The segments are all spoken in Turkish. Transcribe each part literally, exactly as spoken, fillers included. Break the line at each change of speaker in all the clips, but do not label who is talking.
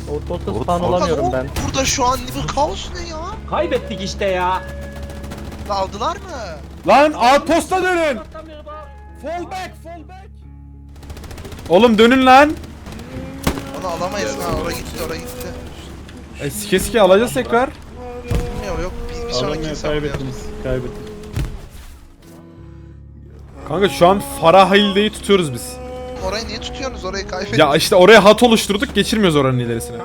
Ortalıkta spawn olamıyorum ben.
Burada şu an bu kaos ne ya?
Kaybettik işte ya.
Aldılar mı?
Lan outpost'a dönün. Fall back, fall back. Oğlum dönün lan.
Onu alamayız ha, oraya gitti oraya gitti.
E, sike sike alacağız tekrar.
Yok yok bir, bir sonraki hesap
Kaybettiniz. Kaybettiniz.
Kanka şu an Farahilde'yi tutuyoruz biz.
Orayı niye tutuyorsunuz? Orayı kaybettik.
Ya işte oraya hat oluşturduk, geçirmiyoruz oranın ilerisine.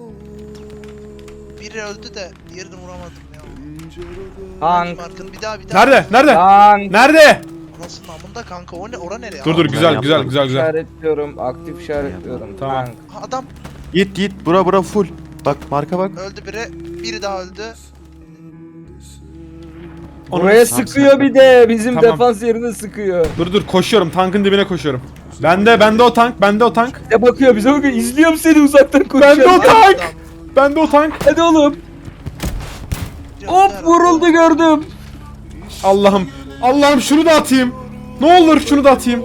Biri öldü de diğerini vuramadım ya.
Tank.
Markın bir daha bir daha.
Nerede? Nerede?
Tank.
Nerede?
Nasıl namında kanka? O ne? Ora nereye?
Dur dur,
Aa,
güzel
Ben
güzel
yaptım.
güzel güzel.
İşaretliyorum. Aktif işaretliyorum.
Tamam.
Tank.
Adam
Git git bura bura full. Bak marka bak.
öldü biri. Biri daha öldü.
Onu-
Buraya
Tamam,
sıkıyor
sen-
bir de. Bizim
Tamam.
defans yerine sıkıyor.
Dur dur, koşuyorum, tankın dibine koşuyorum. Bende bende o tank, bende o tank.
Ya bakıyor bize bakıyor. İzliyorum seni uzaktan
Bende o
koşuyorum.
tank.
Adam.
Bende o tank.
Hadi oğlum.
Biri
Hop
öldü
vuruldu gördüm.
Allah'ım. Allah'ım şunu da atayım. Ne olur şunu da atayım.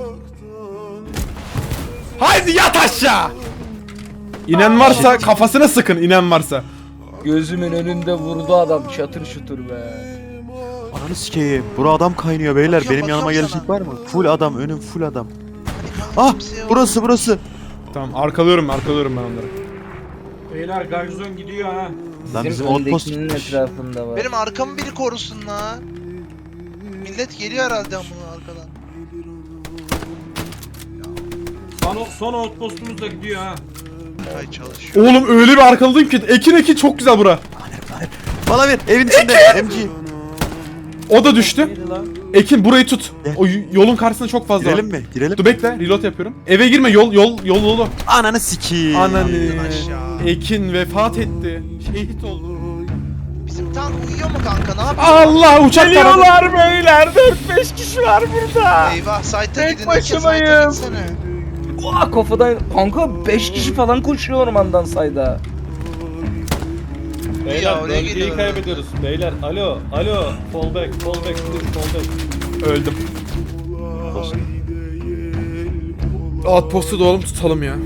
Haydi yat aşağı. İnen varsa kafasına sıkın, inen varsa.
Gözümün önünde vurdu adam. Şatır şutur be.
Ananı sikeyim. Bura adam kaynıyor beyler.
Bakıyorum,
Benim yanıma
bakıyorum
gelecek var mı? Full adam, önüm full adam.
Hadi kanka,
Ah
kimse yok.
burası burası.
Tamam, arkalıyorum arkalıyorum ben onları.
Beyler garnizon gidiyor ha.
Lan
Bizim
bizim outpost
öndekinin
gitmiş.
etrafında var.
Benim arkamı biri korusun la. Millet geliyor herhalde amına arkadan.
Son, son outpostumuz da gidiyor ha.
Ay çalışıyor.
Oğlum öyle bir arkaladayım ki. Ekin ekin çok güzel bura.
Bana ver evin içinde M G.
O da düştü.
Neydi lan?
Ekin burayı tut.
Gel.
O y- yolun karşısında çok fazla
Girelim
var.
mi? Girelim.
Dur bekle, reload yapıyorum. Eve girme, yol yol yol yolu.
Ananı sikeyim.
Ananı.
aşağı.
Ekin vefat etti. Şehit oldu.
Bizim tank uyuyor mu kanka? Ne yapıyor?
Allah, uçak taradı.
Geliyorlar beyler. dört beş kişi var burada.
Eyvah site'a
Tek
gidin. Herkes site'a
başımayım.
gitsene.
Oha kafadan. Kanka beş kişi falan koşuyor ormandan sayda.
Ya,
Beyler
oraya
bölgeyi
geliyorlar.
kaybediyoruz. Beyler alo alo fall back fall back please fall back.
Öldüm. Outpost'u da oğlum tutalım ya.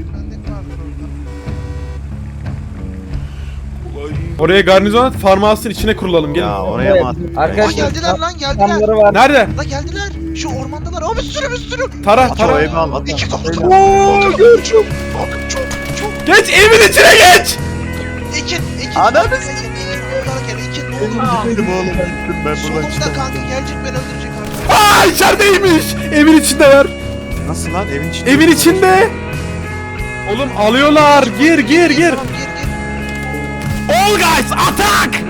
Oraya garnizon at, farmhouse'ın içine kurulalım. Gelin.
Ya oraya
Evet,
mı attın?
Aa
arkadaşlar.
geldiler lan geldiler.
Adamları var.
Nerede?
La geldiler. Şu ormandalar. Aa bir sürü bir sürü.
Tara,
At o
tara.
evi al at.
İki kapı.
Oo,
Bakın çok. Bakın çok çok.
geç evin içine geç.
Ekin. Ekin.
Ananı
Ekin. Ekin. Oradan gel. Ekin. Ne olur.
Gidelim oğlum. Gittim ben buradan
Solumda
çıkamam.
kanka gelecek beni öldürecek artık.
Aa, içerideymiş. Evin içinde var.
Nasıl lan evin içinde?
Evin içinde. Oğlum alıyorlar. Gir gir gir.
Tamam gir gir.
All guys attack.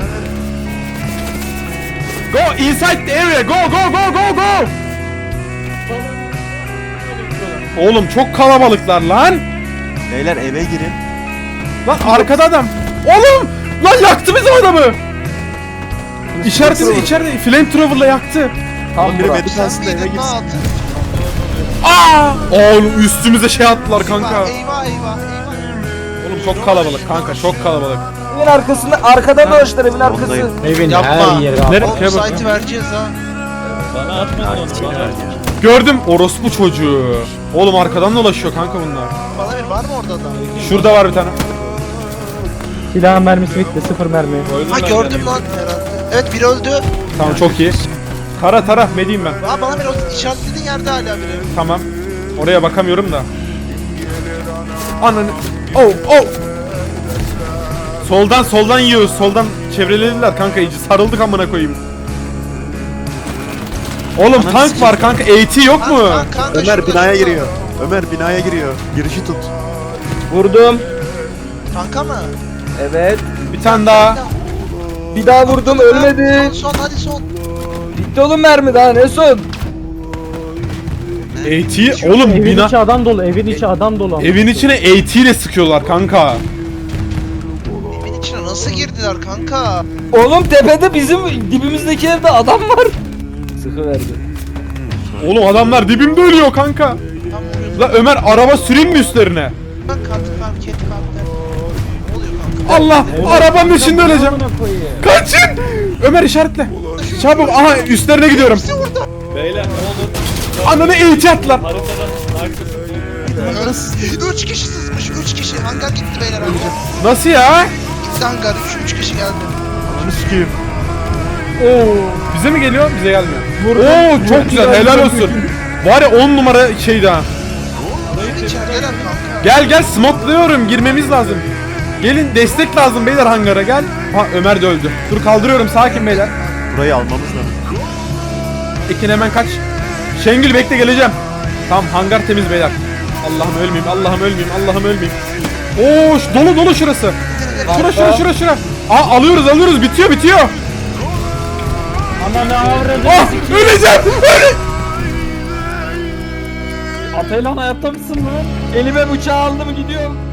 Go inside the area. Go go go go go. Oğlum çok kalabalıklar lan.
Beyler eve girin.
Lan arkada adam. Oğlum lan yaktı bizim adamı. İçeride içeride flamethrower'la yaktı.
Tam
Biri
bura.
beni
Sen
kalsın da eve
miydin
girsin.
lan?
Aa! Oğlum üstümüze şey attılar kanka.
Eyvah eyvah eyvah. eyvah.
Oğlum çok kalabalık kanka, çok kalabalık.
Evin arkasında arkada dolaştılar evin arkası.
Ondayım.
Evin
Yapma.
her yeri abi.
Nereye?
Oğlum
Şeye bak.
site'i vereceğiz ha.
Bana atmadın onu bana.
Gördüm orospu çocuğu. Oğlum arkadan dolaşıyor kanka bunlar.
Bana bir var mı orada da?
Şurada var bir tane.
Silahın mermisi bitti sıfır mermi.
Koydum
Ha
ben
gördüm
kendimi.
lan herhalde. Evet biri öldü.
Tamam çok iyi. Tara tara medeyim ben.
Ha bana bir o işaretlediğin yerde hala biri.
Tamam. Oraya bakamıyorum da. Ananı. Oh oh. Soldan soldan yiyoruz. Soldan çevrelediler kanka iyice. Sarıldık amına koyayım. Oğlum
Ananı
tank
sikeyim.
var kanka. AT yok mu?
Kanka, kanka,
Ömer
şurada,
binaya
şurada.
giriyor. Ömer binaya giriyor. Girişi tut.
Vurdum.
Kanka mı?
Evet.
Bir tane daha.
Bir daha vurdum ölmedi.
Son son hadi son.
Bitti oğlum mermi daha ne son?
AT oğlum
Evin
bina.
içi adam dolu, evin içi adam dolu.
Evin içine AT ile sıkıyorlar kanka.
Evin içine nasıl girdiler kanka?
Oğlum tepede bizim dibimizdeki evde adam var. Sıkı verdi.
Oğlum adamlar dibimde ölüyor kanka.
Tam vuruyordum.
La Ömer araba süreyim mi üstlerine?
Bak kat kat ket kat der. Ne oluyor kanka?
Allah arabanın içinde öleceğim. Kaçın. Ömer işaretle. Çabuk aha üstlerine gidiyorum.
Beyler ne olur
Ananı AT attılar.
haritadan arkasını
Üç kişi sızmış, üç kişi. Hangar gitti beyler amca.
Nasıl ya?
Gitti hangar, üç, üç kişi geldi.
Ananı sikeyim.
Oo. Bize mi geliyor? Bize gelmiyor. Oo çok güzel. Helal olsun. Var ya on numara şeydi ha.
İçerideler kanka.
Gel gel smokluyorum. Girmemiz lazım. Gelin destek lazım beyler hangara gel. Ha Ömer de öldü. Dur kaldırıyorum sakin beyler.
Burayı almamız lazım.
Ekin hemen kaç. Şengül bekle geleceğim. Tamam hangar temiz beyler. Allah'ım ölmeyeyim, Allah'ım ölmeyeyim, Allah'ım ölmeyeyim. Oo şu- dolu dolu şurası. Şura şura şura şura. Aa alıyoruz alıyoruz bitiyor bitiyor.
Ana ne avradı?
Ah öleceğim. Öle.
Ataylan hayatta mısın lan? Elime bıçağı aldım gidiyorum.